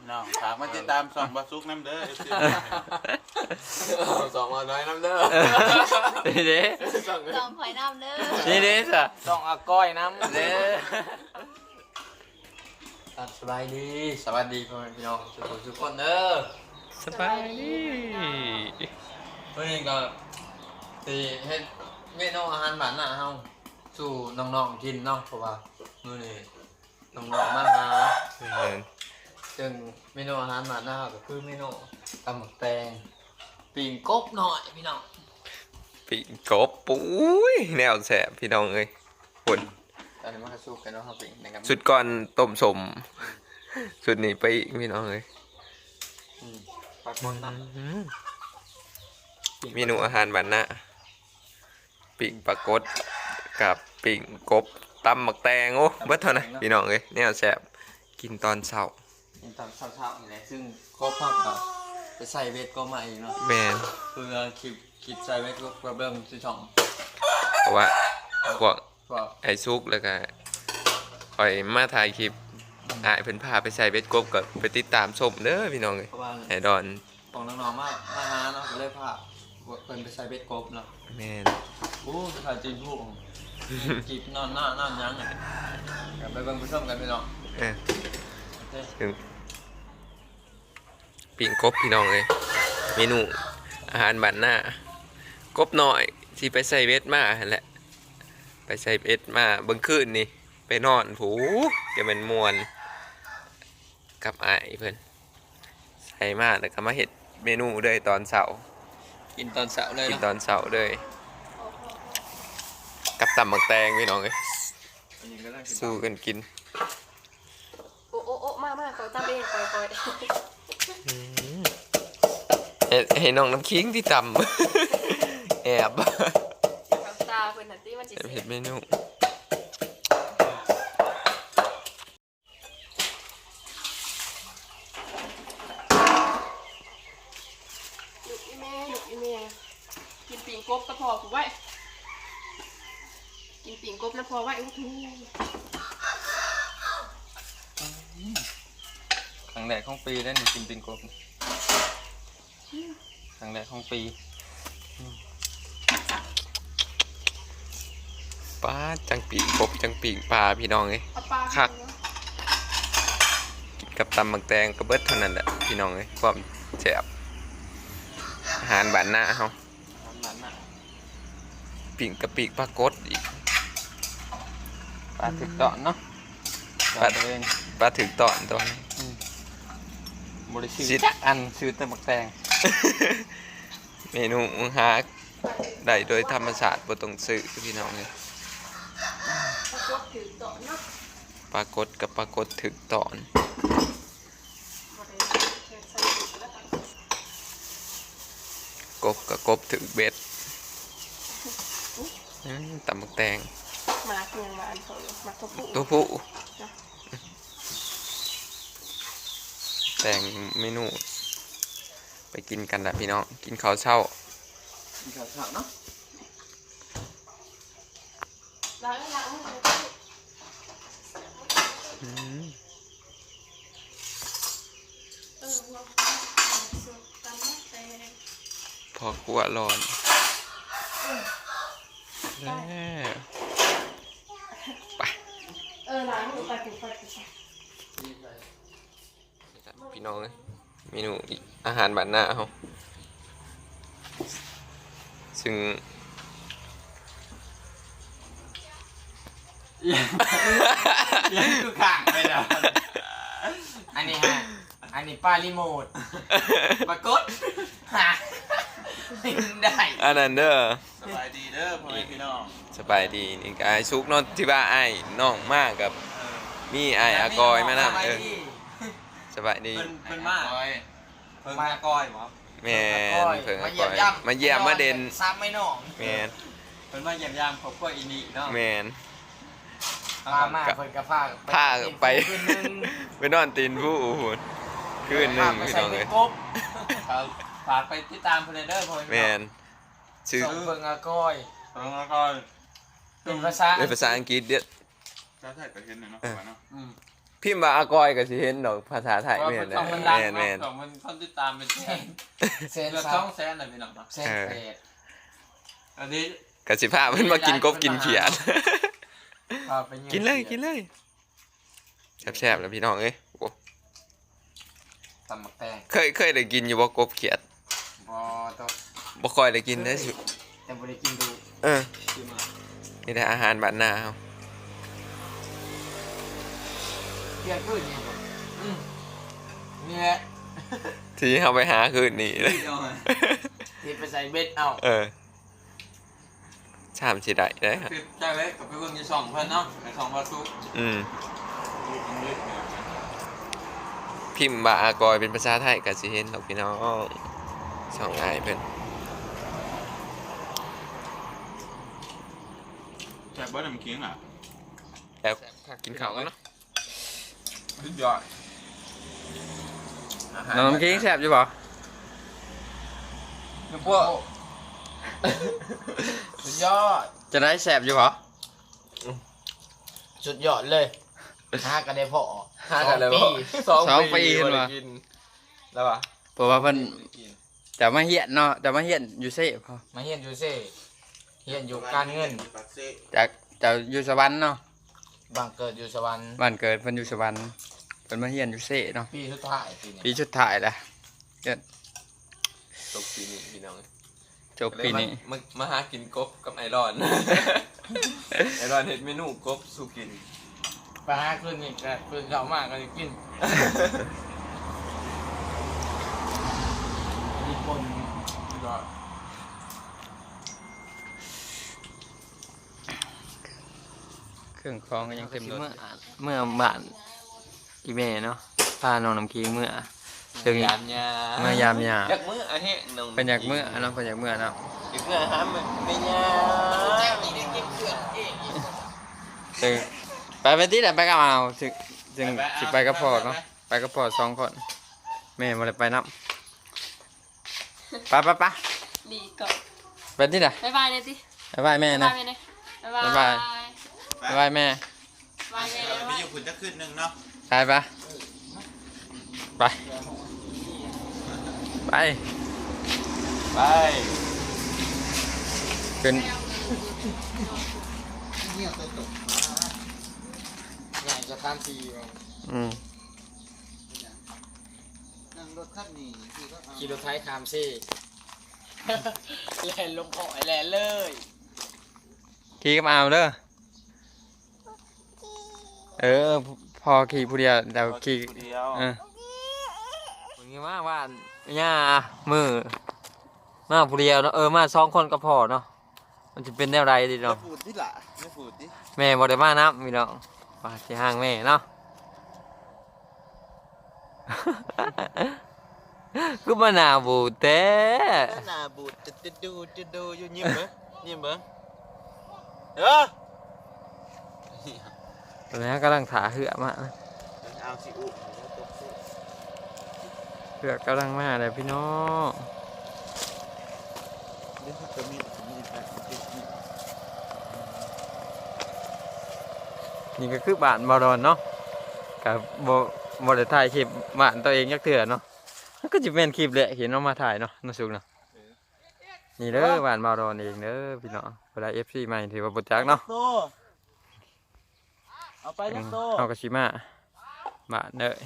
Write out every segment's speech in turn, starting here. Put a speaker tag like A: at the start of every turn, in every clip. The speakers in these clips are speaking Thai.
A: น้องฝากมาติดตามส่องบาซุกน้ำเด้อ
B: สองน้อยน้ำเด้อ
C: นี่เด้
D: จองหอยน้ำเด้อ
C: นี่เด้สะ
B: สองอาก้อยน้ำ
C: เด้
B: สบายดีสวัสดีพ่อแม่พี่น้องทุกคนเด้อ
C: สบายดี
B: วันนี้ก็สิเฮ็ดเมนูอาหารบ้านหน้าเฮาสู่น้องๆกินเนาะเพราะว่ามื้อนี้น้องๆมาหาซึ่งเมนูอาหารบ้านหน้าก็คือเมนูตำหมึกแตงปิ่งกบหน่อยพี่น้อง
C: ปีกบปุ้ยแนวแสบพี่น้องเอ้ยปุ่น
B: ตอนนี้มาสู้กันเนาะครับปิ่งนะครับ
C: สุดก่อนต้มสมสุดนี้ไปอีกพี่น้องเอ้ย
B: ปลาหมดน้ำ
C: เมนูอาหารบ้านหน้าปิ่งปลากดกับปิ่งกบตำหมักแตงโอ้เบิดเท่านั้นพี่น้องเอ้ยแนวแสบกินตอนเช้า
B: กินตอนเช้าๆนี่แหละซึ่งก็พักกับไปใส่เวทก็มาอีกเนาะ
C: แมน
B: คือคิดใส่เวทก็เริ่มที่ช่อง
C: เพราะว่าพวก
B: ก็
C: ไอ้ซุกแล้วก็ปล่อยมาถ่ายคลิปอ่ายเพิ่นพาไปใส่เบ็ดกบกับไปติดตามชมเด้อพี่น้องเอ้ย
B: เพราะว่า
C: ไอ้ดอน
B: ของน้องๆมาหาเนาะก็เลยพาเพิ่นไปใส่เวทกบเนาะ
C: แม่น
B: โอ้ถ่ายจริงผู้จีบนอนหน้ายังไงกลับไปเบิ่งไปชมกันพี่น้อง
C: เออ
B: โอเค
C: ถึงปิ่งกบพี่น้องเอ้ยเมนูอาหารบ้านหน้ากบหน่อยที่ไปใส่เบ็ดมาหั่นแหละไปใส่เบ็ดมาเบิ่งคืนนี่ไปนอนผูจะเป็นมวนกับอ้ายเพิ่นใส่มาแล้วก็มาเฮ็ดเมนูเลยตอนเช้า
B: กินตอนเช้าเลย
C: กิน
B: เนาะ
C: ตอนเช้าเลยกับตำหมักแตงพี่น้องเอ้ย
B: อันนี้ก็ได้กิน
C: สู้กันกิน
D: โอ้โอ้โอ้มาขอจำเองคอย
C: ให้น้องน้ำคิงที่ตำ แอบ
D: กับตาเพื่อนหันตี้มันจิ
C: เห็ดเมนู
D: ลูกอีเมย์กินปิ่งกบก็พอกูไว้กินปิ่งกบแล้วพอไว้อู้ทู
B: ครั้งแรกของปีได้นี่กินปิ่งกบครั้งแรกของปี
C: ปลาจังปีกกบจังปีกปลาพี่น้องเอ้ย
D: เอาปลา
C: คัก กินกับตำหมักแตงกระเบิดเท่านั้นแหละพี่น้องเอ้ยความแซ่บอาหารบ้านหน้าเฮา
B: นั้นน่ะ
C: ปีกกับปีกปลากดอีก
B: ปลาถึกตอนเนาะ
C: ปลา
B: ตัวเอง
C: ปลาถึงตอนตัวนี้
B: บริสุท
C: สิ
B: ธิ์จักอันซื้อแต่หมักแตง
C: เมนูหาได้โดยธรรมชาติบ่ต้องซื้อพี่น้องเอ้ย
D: ปลากดถือต่อเนาะ
C: ปลากดกับปลากดถึกตอน
D: มาเลยใส่ถุงแล้วกัน
C: กบกับกบถึกเบ็ดตำหมักแตง
D: มาเพียงมาอันเขามาทบปุ๊
C: ตัวผู้แต่งเมนู ไปกินกันนะพี่น้องกินข้าวเช้า
B: มีข้าวเช้าเนาะ
D: ล้างมือ
C: อืม
D: หัวสุดตำมะแตง
C: พอขัวร้อนแล้วไป
D: ล้างมือไปถึงไป
C: พี่น้องเลยเมนูอีกอาหารบ้านหน้าเขาซึ่ง
B: ยังคือข้างไปแล้วอันนี้ฮะอันนี้ปลารีโมทปรากฏหาได้
C: อันนั้นเด้อ
A: สบายดีเด้อพ่อแม่พี่น้อง
C: สบายดีนี่ก็ไอ้ซุกเนอนที่ว่าไอ้น้องมากกับมีไอ้อากอยมานำสบายดี
B: เป็นมากเพิ่งมากอยหรอ
C: แมนเพิ่งอากอยมาเยี่ยมมาเด่น
B: ซ้ำไม่น้อง
C: แมน
B: เป็นมาเยี่ยมยามครอบครัวอินิเนาะ
C: แมน
B: มาเพิ่นกับผ้า
C: ผ้าไป ไปนอนตีนผู้หุ่นคืนหนึ่งพี่น้องเลย
B: ฝากไปติดตามเพลเดอร์พอย
C: แมนชื่อ
B: ส่งเพิ่งอากอยเพิ่งอากอยเป็นภาษา
C: เป็นภาษาอังกฤษเด็ด
A: ถ้าใส่กระเทียมหน่อยเนาะเนาะ
C: พิมพ์ว่าอากอยก็สิเห็นดอกภาษาไทยแม่น
B: ช่องมันดัง
C: แม่น
B: เนาะช่องมันคนติดตามเป็นแสน
D: เซน
B: เกือบ
D: ซั
B: 200,000น่ะพี่น้องเนาะ
D: เซนเฟด
B: อันนี้
C: ก็สิพาเพิ่นมากินกบกินเขียด
B: พาไปง
C: กินเลยแซ่บๆแล้วพี่น้องเอ้ยโอ้
B: ตำหมักแตง
C: เคยได้กินอยู่บ่กบเขียด
B: บ่ต้อง
C: บ่ค่อยได้กินได้อสิ
B: แต่บ่ได้กินดู
C: เออ
B: คือมา
C: นี่ได้อาหารบ้านนาเฮา
B: เที่ยงคืนนี่บ่นี่แหละ
C: ที่เฮาไปหาคืนนี้เลย
B: ที่ไปใส่เบ็ดเอา
C: เออชามสิได้เด้อ
B: คือจ้าเล็กกับไปเบิ่งอยู่ช่องเพิ่นเนาะในช่องบ่ซุก
C: อืมพิมพ์ว่าอากอยเป็นภาษาไทยก็สิเห็นดอกพี่น้องช่องอ้ายเพิ่น
A: แซ่บบ่น้ำขิงอ่ะ
C: แล้วกินข้าวกันเนาะ
B: สุดยอด
C: น้ำกิ้งแซ่บอยู่บ่
B: พวกสุดยอด
C: จะได้แซ่บอยู่บ่
B: สุดยอดเลยหากันได้พอ
C: หากันเลยบ่
B: 2
C: 2 ปีเห็นบ่
B: แล้วป่ะ
C: เพราะว่าเพิ่นจะมาเฮียนเนาะจะมาเฮียนอยู่เซ่พอ
B: มาเฮียนอยู่เซ่เฮียนอยู่การเงิน
A: ปากเซ่
C: จากจะอยู่สวรรค์เนาะ
B: บางเกิดอยู่สวรรค์
C: บ้านเกิดเพิ่นอยู่สวรรค์เพิ่นมาเฮียนอยู่เซ่เนาะ
B: ปีสุดท้ายปีนี้
C: ปีสุดท้ายแล้ว
E: จบปีนี้พี่น้อง
C: จบปีนี้
E: มาหากินกบกับไอรอน ไอรอนเห็ดเมนูกบสู่กิน
B: ไปหาคืนนี่ก็คืนเขามากก็จะกินญี่ปุ่นก็
C: เครื่องคองก็ยังเต็มรถเมื่อบ้านอีแม่เนาะพาน้องน้ำคิงเมื่อถึง
E: ยามยา
C: เมื่อยามยา
E: อยากมื้ออันนี้น้อง
C: เป็นอยากเมื่อเนาะเป็นอยากเมื่อเนาะ
E: อยากมื้อหาไม่ยา
C: ถึงไปที่ไหนไปกับเอาถึงสิไปกับพ่อเนาะไปกับพ่อ2 คนแม่บ่ได้ไปนำไป
D: ดีก่อน
C: ไปที่ไหน
D: บ๊ายบายเลยติ
C: บ๊ายบายแม่
D: บ๊าย
C: นะ
D: บายเลยบ๊าย
C: บ๊าย
D: บา
C: บาย
D: ย
C: บ๊ายบายแม่
D: บ๊ายบายเลย
A: ไปอยู่คุณจะขึ้นหนึงเนาะ
C: ไปไปไปไป
E: ไป
C: ขึ้น
B: ใหญ่จะข้ามปีมา
C: อืม
A: นั่งรถคันนี้ที่ก็เอา
B: ขี่รถไทยข้ามซี่แล่นลงหอยแล่นเลย
C: ขี่กับเอาเด้อพอขี่ผู้เดียวเดี๋ยวขี่
A: ผู้เดียว
C: มึงงี้มากว่าย่ามือมาผู้เดียวเนาะมา2 คนก็พอเนาะมันจะเป็นแนวไรดี
A: ไม่
C: เนาะ
A: พูดที่ละไม่พูดที่
C: แม่บ่ได้มานับพี่น้องว่าสิห่างแม่เนาะ cứ mà nào bù té
A: หน้าบูดจะดูอยู่ยิ้มเบิ่ง
C: แล้วกำลังถาเหือมา
A: เอาสิอุ
C: เหือกำลังมาเลยพี่น้อง
A: เดี๋ยวจะมีแบบนี้
C: นี่ก็คือบ้านบอดอนเนาะกับโบได้ถ่ายคลิปบ้านตัวเองยักเถื่อเนาะมันก็จะเป็นคลิปแหละเห็นเอามาถ่ายเนาะน่าสุกเนาะนี่เด้อบ้านบอดอนเองเด้อพี่น้องเวลา FC ใหม่ถือว่าบุจักเนาะ
A: โตเอาไปจักโต
C: เอากระชิมาบ้านเด้อ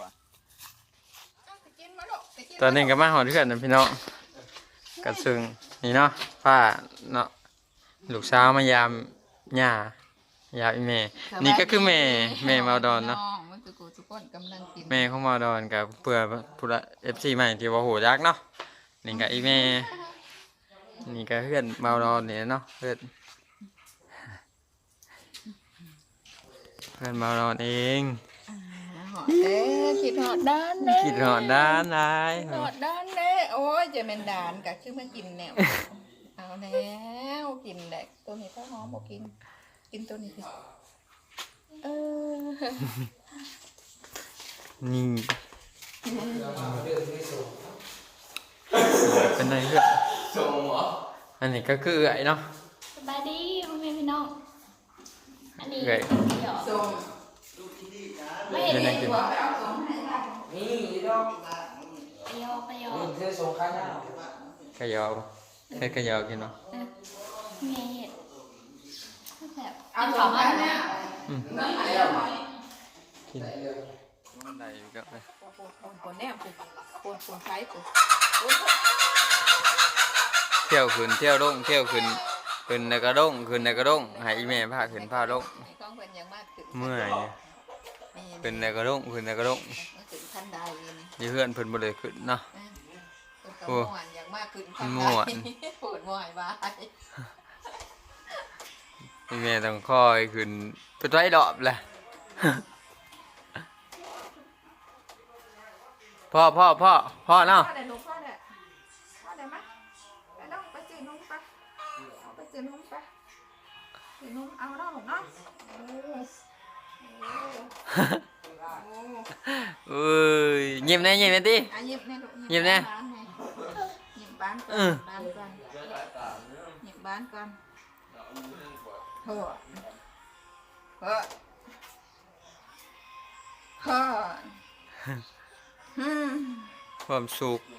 C: ตอนนี้ก็มาหอดเพื่อนนะพี่น้องกัซึ่งนี่เนาะป้าเนาะลูกสาวมายามย่ายามอีแม่นี่ก็คือแม่มาดอนเนาะ
F: มันคือกูทุกคนกำลังกิน
C: แม่ของมาดอนกับเพื่อผู้ละ FC ใหม่ที่ว่าโหยักเนาะนี่ก็อีแม่นี่ก็เพื่อนมาดอนเนี่ยเนาะเพื่อนมาดอนเอง
F: หอดเด้คิดหอดด้านเด้
C: คิดหอดด้านนาย
F: หอดด้านเด้โอ้ยจะเป็นด่านกะชื่อมากินแนวเอาแล้วกินแดกตัวนี้ถ้าหอมบอกกินตัวนี้สิเออ
C: นี่เป็นไงเพื่อน
E: ส่งเหรอ
C: อันนี้ก็คือไอ้เนาะ
D: สบายดีพ่อแม่พี่น้องอันนี้
C: เอ้ย
D: เดี๋ยว
F: ส่ง
D: ไม่เห็น
C: เดี๋ยวนั่งกิน
D: ไปยอ
C: ขยอให้ขยอกินเนาะ
D: เมียเห็ดแบบ
F: เอาสองอันเนี่ย
C: กินได้ก็ไป
F: คนแนบคนใช้คน
C: เที่ยวขึ้นเที่ยวลงเที่ยวขึ้นขึ้นในกระด้งขึ้นในกระด้งให้อีแม่พาขึ้นพาลง
F: ไอ้กล้องเป็นยังมากขึ้น
C: เมื่อยขึ้นในกระด้งขึ้นในกระด้ง
F: ขึ้นทันใดนี่
C: อยู่เพื่อนเพิ่นบ่ได้ขึ้นเนาะ
F: โอ้ม่วนอย่างมากขึ้นทันใด
C: ม่วน
F: ปวดม่วยบาย
C: อีแม่ต้องคอยขึ้นไปไว้ดอบแหละ พ่อเนาะ
F: พ่อเดี๋ยวหนูพ่อเดี๋ยวมาไปน้องไปซื้อนมไปเอาไปซื้อนมไปซื้อนมเอาเนาะหนูเนาะ
C: เอ้ยยิ้มแน่ติ
F: อ่ะหยิบแน่ลูก
C: หยิบแน่
F: หยิบบ้านก่อนหยิบบ้านก่อนเฮ้อเฮ้อเฮ้ออืม
C: ความสุข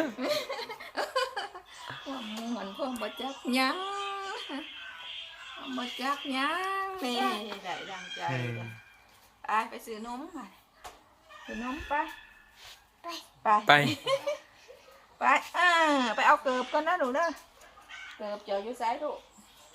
F: ความเหมือนความบ่จักหยังความบ่จักหยังนี่ได้ดังใจเลยไปซื้อนมไปซื้อนมไปไป
C: ไป
F: ไปไปเอาเกิบก่อนนะหนูเด้อเกิบเจออยู่ไสลูก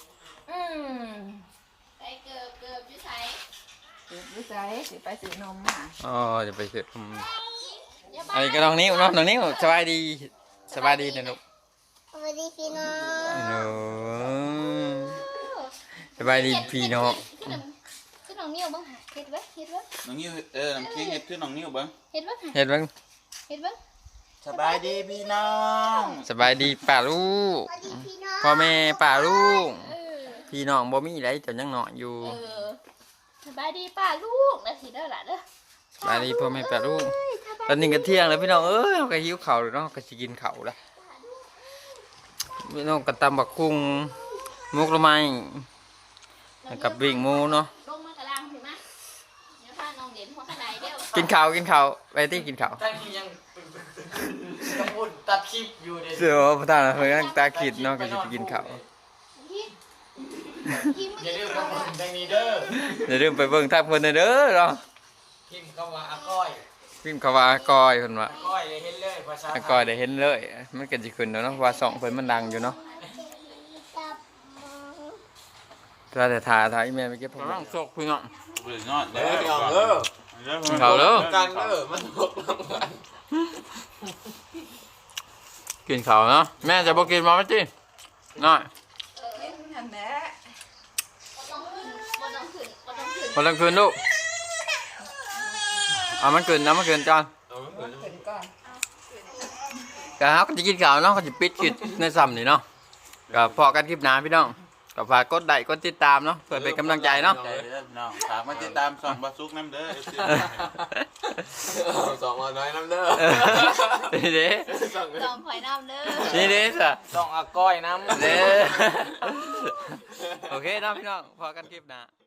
D: ไปเกือบอยู่ไส
F: เกิบอยู่ไสสิไปซื้อนมมา
C: อ๋อจะไปซื้ออันนี้ก็น้องนิ้วเนาะน้องนิ้วสบายดีนะลูก
D: สวัสดีพี่น้อง
C: โอ้สบายดีพี่น้อง
D: คือน้องนิ้วบ้างเห็ดเว้ย
A: น้องนิ้วน้ำเค้กเห็ดขึ้นน้องนิ้วบ้าง
D: เห็ดเว้ย
C: เฮ็ดเบิ่ง
A: สบายดีพี่น้อง
C: สบายดีป้าลูกพ่อแม่ป้าลูกพี่น้องบ่มีไรจนยังน้อยอยู่
D: สบายดีป้าลูกนะสิเด้อล่ะเด้อ
C: สบายดีพ่อแม่ป้าลูกตอนนี้ก็เที่ยงแล้วพี่น้องเอ้ยเราก็หิวข้าวแล้วเนาะก็สิกินข้าวแล้วพี่น้องก็ตำบักกุ้งมุกละไม้แล้วกับวิ่งหมูเนาะ
D: ลงมากระลังถึงมั้ยเดี๋ยวพาน้องเด่นหัวขนาดเดียว
C: กินข้าวไปที่กินข้าว
B: ตั้งคลิปยังกระปุ่นตัดคลิปอยู่เด็ด
C: เสือพระธาตุเพิ่นตาขิดเนาะก็สิไปกินข้าว
B: อย่าลืมกระปุ่นดังนี้เด้อ
C: อย่าลืมไปเบิ่งทางเพิ่นเด้อเนาะ
B: พิมพ์คำว่าอาก้อย
C: พิมพ์คำว่าอากอยเพิ่นว่า
B: อาก้อยเลยเห็นเลยภาษา
C: อากอยได้เห็นเลยมันก็สิขึ้นแล้วเนาะว่าส่องเพิ่นมันดังอยู่เนาะถ้าแต่ถ่ายอีแม่ไปเก็บผักน้องโชคพี่น้อง
A: เบื่อนอนเด้
B: เดี๋ยวเด้อ
C: เขาเด้อ
B: กันเด้อมันตกลงกัน
C: กินข้าวเนาะแม่จะบ่กินมาไหมจิน้อย
F: กินหันแหละ
C: พอลังคืนลูกเอามันคืนนะมันคืนจอน
F: ขึ้นก่อน
C: ก็เฮาก็สิกินข้าวเนาะก็สิปิดคลิปในซ้ำนี่เนาะก็พอกันคลิปหน้าพี่น้องก็ฝากกดไลค์กดติดตามเนาะเพื่อเป็นกำลังใจเนาะ
A: ใจเด้อน้องฝากมาติดตามส่องบาซุกน้ำเด้อ
B: สองน้อยน้ำเด้อ
C: นี่เด้
D: ลองหอยน้ำเด้อ
C: นี่เด้ซะ
B: สองอาก้อยน้ำ
C: เด้โอเคเนาะพี่น้องพอกันคลิปหน้า